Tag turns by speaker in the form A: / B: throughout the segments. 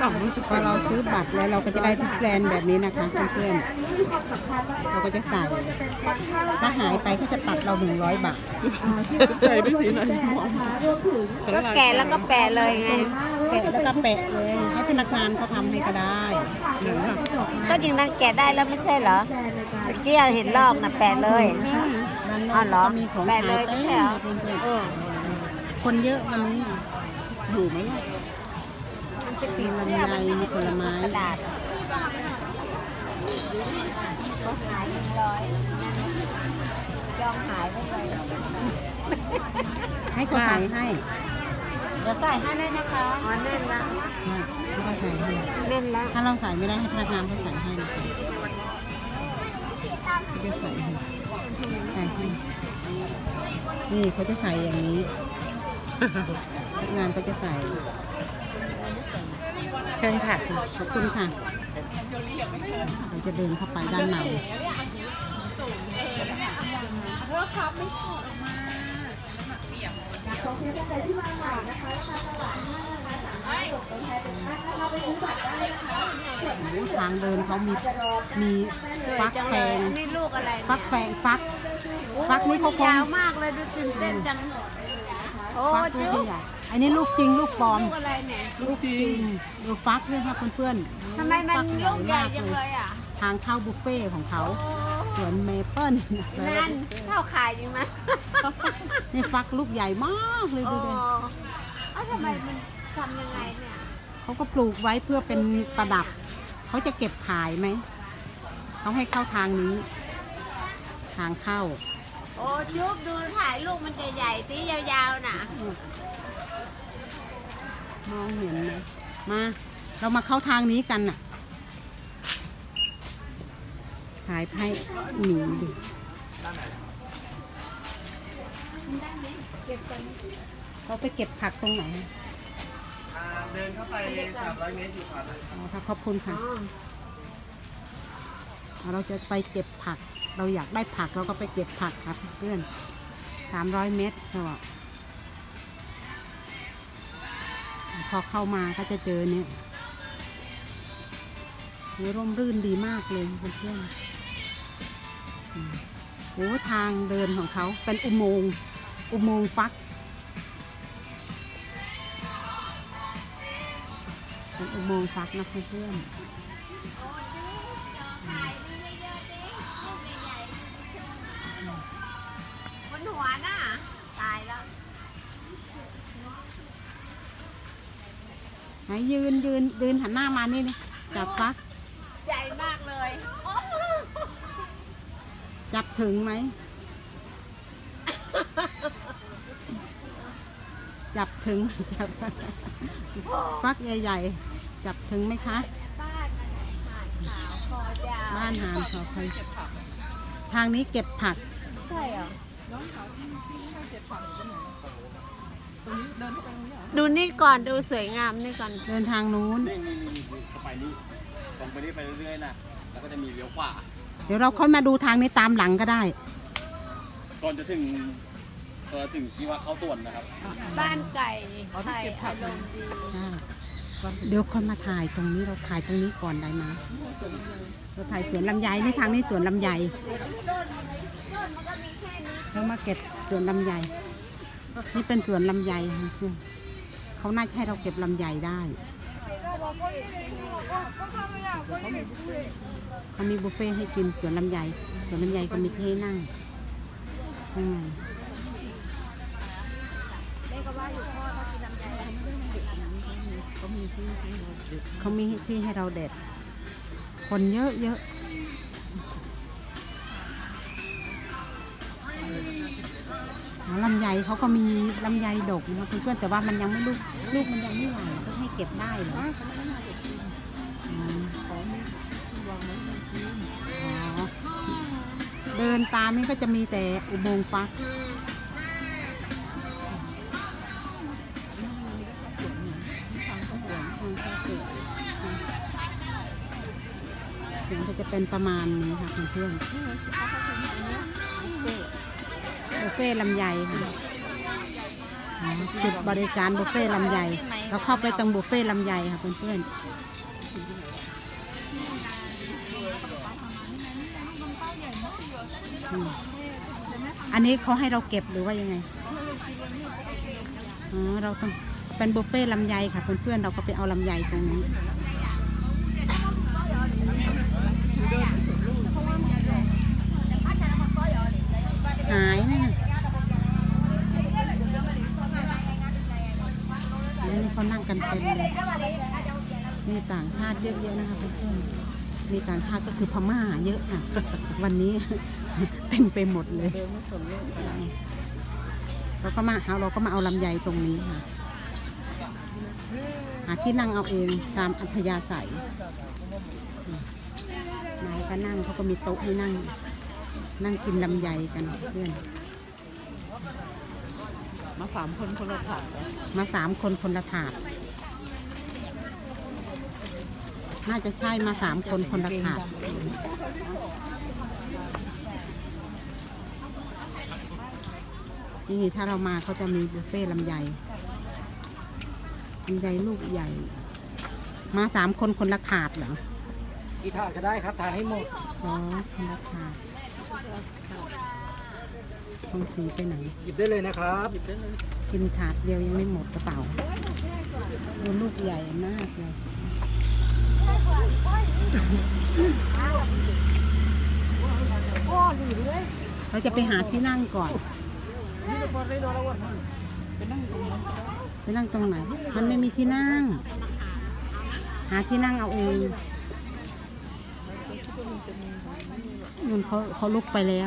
A: พอเราซื้อบัตรแล้วเราก็จะได้ทุกแบรนด์แบบนี้นะคะเพื่อนๆเราก็จะใส่ถ้าหายไปเขาจะตัดเรา100 บาท
B: ใจไปสีไหนมอง
C: ก็แกะแล้วก็แปะเลยไง
A: แกะแล้วก็แปะเลยให้พนักงานเขาทำให้ก็ได้
C: ก็จริงนั่นแกะได้แล้วไม่ใช่เหรอเมื่อกี้เห็นลอกนะแปะเลย
A: นั่น
C: อ๋อเหรอ
A: ก็มีของ
C: แปะ
A: ขาย
C: เลย
A: เต็
C: ไม่
A: ม
C: ใช่เหรอ
A: เพื่อนๆคนเยอะวันนี้อยู่ไหมล่ะ
C: มันเป็น
A: มีลำไยมีผลไม้
C: กระดาษก็ขาย100ยอมหายไปเลย
A: ให้เขาใส่ให้
C: เดี๋ยวใส่ให้ได้นะคะอ๋อเน่นละ
A: ให้เขาใส่ให้
C: เน่นละ
A: ถ้าเราใส่ไม่ได้ให้พนักงานเขาใส่ให้นะคะเขาจะใส่ให้ใส่ให้นี่เขาจะใส่อย่างนี้พนักงานก็จะใส่
B: เชิญค่ะ
A: ขอบคุณค่ะเราจะเดินเข้าไปด้านในทางเดินเขามีฟักแฟง
C: นี่ลูกอะไร
A: ฟักแฟงฟักนี่เขาคง
C: ยาวมากเลยดูตื่นเต้นจังโอ้
A: ฟักลูก
C: จุ๊บ
A: ใหญ่อันนี้ลูกจริงลูกปลอม
C: ลูกอะไรเนี่ย
A: ลูกจริงดูฟักด้วยค่ะเพื่อนๆ
C: ทำไมมัน
A: ฟัก
C: ลูกใหญ่
A: มาก
C: จังเลยอ่ะ
A: ทางเข้าบุฟเฟ่ต์ของเขาสวนเมเปิ้ล
C: นั่นข้าวขายอยู่ไหม
A: นี่ฟักลูกใหญ่มากเลย
C: โอ้
A: ดูดิ
C: เอ้าทำไมมันทำยังไงเนี่ย
A: เขาก็ปลูกไว้เพื่อเป็นประดับ เขาจะเก็บขายไหม เขาให้เข้าทางนี้ ทางเข้า
C: โอ้จุ๊บดูถ่ายลูกมันจะใหญ่ตียาวๆน่ะ
A: มองเห็นไหมมา เรามาเข้าทางนี้กันน่ะถ่ายให้หมีดูเขาไปเก็บผักตรงไหน
B: เดินเข้าไป300 เมตรอยู่ขวามือ
A: อ๋อค่ะขอบคุณค่ะ เราจะไปเก็บผัก เราอยากได้ผักเราก็ไปเก็บผักครับเพื่อน300 เมตรเขาบอกพอเข้ามาก็จะเจอเนี่ยร่มรื่นดีมากเลยเพื่อนๆโอ้ทางเดินของเขาเป็นอุโมงค์ฟักเป็นอุโมงค์ฟักนะเพื่อนๆ
C: บนหัวน่ะตายแล้ว
A: ไหนยืนหันหน้ามานี่นี่จับฟัก
C: ใหญ่มากเลยโอ้
A: จับถึงไหม จับถึง จับฟักใหญ่ๆ จับถึงไหมคะ
C: บ้านมันหาดขาวคอยาว
A: บ้านหานขอใครทางนี้เก็บผัก
C: ใช่เหรอดูนี่ก่อนดูสวยงามนี่ก่อน
A: เดินทางนู้น
B: นี่เข้าไปนี่ตรงไปนี่ไปเรื่อยๆนะแล้วก็จะมีเลี้ยวขวา
A: เดี๋ยวเราค่อยมาดูทางนี้ตามหลังก็ได้
B: ก่อนจะถึงที่ว่าเข้าสวนนะครับ
C: บ้านไก่ไข่อารมณ์ดี
A: เดี๋ยวค่อยมาถ่ายตรงนี้เราถ่ายตรงนี้ก่อนได้ไหมเราถ่ายสวนลำไยนี่ทางนี้สวนลำไยเรามาเก็บสวนลำไยนี่เป็นสวนลำไยค่ะเขาน่าจะให้เราเก็บลำไยได้เขามีบุฟเฟ่ให้กินสวนลำไยก็มีที่ให้นั่งข้างในเขามีที่ให้เราเด็ด คนเยอะลำไยเขาก็มีลำไยดกนะเพื่อนๆแต่ว่ามันยังไม่ลูกมันยังไม่ใหญ่ก็ให้เก็บได้เหรอเดินตามนี่ก็จะมีแต่อุโมงค์ฟักเสียงก็จะเป็นประมาณนี้ค่ะเพื่อนๆบุฟเฟ่ลำไยค่ะอ๋อจุดบริการบุฟเฟ่ต์ลำไยเราเข้าไปตรงบุฟเฟ่ต์ลำไยค่ะเพื่อนๆอันนี้เขาให้เราเก็บหรือว่ายังไงอ๋อเราต้องเป็นบุฟเฟ่ต์ลำไยค่ะเพื่อนๆเราก็ไปเอาลำไยตรงนี้หายนะนี่เขานั่งกันเต็มเลยมีต่างชาติเยอะๆนะคะเพื่อนๆมีต่างชาติก็คือพม่าเยอะค่ะ วันนี้ เต็มไปหมดเลยเราก็มาเอาลำไยตรงนี้ค่ะหาที่นั่งเอาเองตามอัธยาศัยนายก็นั่งเขาก็มีโต๊ะให้นั่งกินลำไยกันเพื่อนมา3 คนคนละถาดมา3 คนคนละถาดน่าจะใช่มา3 คนคนละถาดนี่ถ้าเรามาเขาจะมีบุฟเฟ่ต์ลำไยลูกใหญ่มา3 คนคนละถาดเหรอ
D: กี่ถาดก็ได้ครับทานให้หมด
A: อ๋อคนละถาดต้องถือไปไหน
D: หยิบได้เลยนะครับหยิบได้เลย
A: กินถาดเดียวยังไม่หมดกระเป๋าดูลูกใหญ่มากเลยเราจะไปหาที่นั่งก่อนไปนั่งตรงไหนมันไม่มีที่นั่งหาที่นั่งเอาเองนู่นเขาลุกไปแล้ว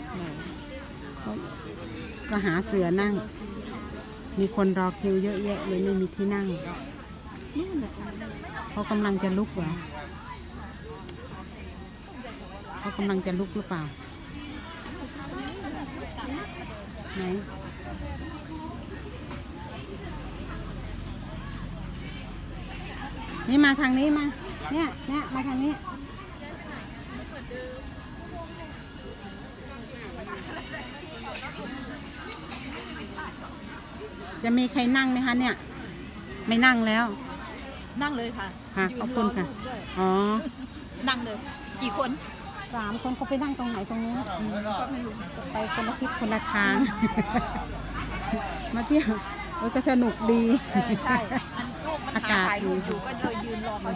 A: ก็หาเสือนั่งมีคนรอคิวเยอะแยะเลยไม่มีที่นั่งเขากำลังจะลุกเหรอเขากำลังจะลุกหรือเปล่าไหนนี่มาทางนี้มาเนี่ยมาทางนี้จะมีใครนั่งไหมคะเนี่ยไม่นั่งแล้ว
E: นั่งเลยค่ะ
A: ค่ะขอบคุณค่ะอ๋อ
E: นั่งเลยกี่คน
A: 3 คนเขาไปนั่งตรงไหนตรงนี้ไปคนละทิศคนละทาง มาเที่ยวก็สนุกดี
E: ใช่
A: อากาศดี
E: อยู่ก็เลยยืนรอมา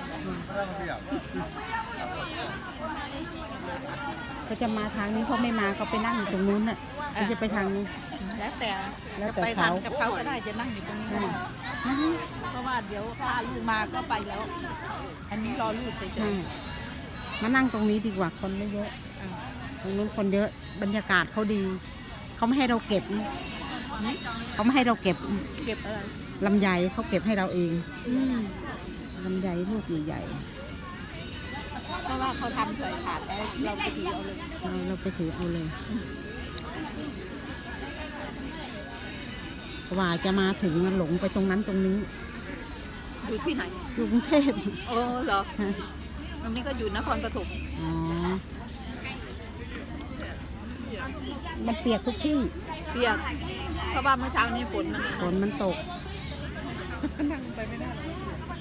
A: ก็จะมาทางนี้เขาไม่มาเขาไปนั่งอยู่ตรงนู้นน่ะเขาจะไปทางนี้
E: แล้วแต่ไปทางกับเขาก็ได้จะนั่งอยู่ตรงนี้เพราะว่าเดี๋ยวถ้าลูกมาก็ไปแล้วอันนี้รอลูกเฉย
A: ๆมานั่งตรงนี้ดีกว่าคนไม่เยอะตรงนู้นคนเยอะบรรยากาศเขาดีเขาไม่ให้เราเก็บเขาไม่ให้เราเก็บ
E: อะไร
A: ลำไยเขาเก็บให้เราเองลำไยลูกใหญ่
E: ๆเพราะว่าเขาทำใส่ถาดแล้วเราไปถือเอาเลย
A: เราไปถือเอาเลยว่าจะมาถึงหลงไปตรงนั้นตรงนี้
E: อยู่ที่ไหน
A: อยู่กรุงเทพ
E: เหรอตรงนี้ก็อยู่นครปฐม
A: อ๋อมันเปียกทุกที่
E: เปียกเพราะว่าเมื่อเช้านี้ฝนมัน
A: ตก
E: นั่งไปไม่ได้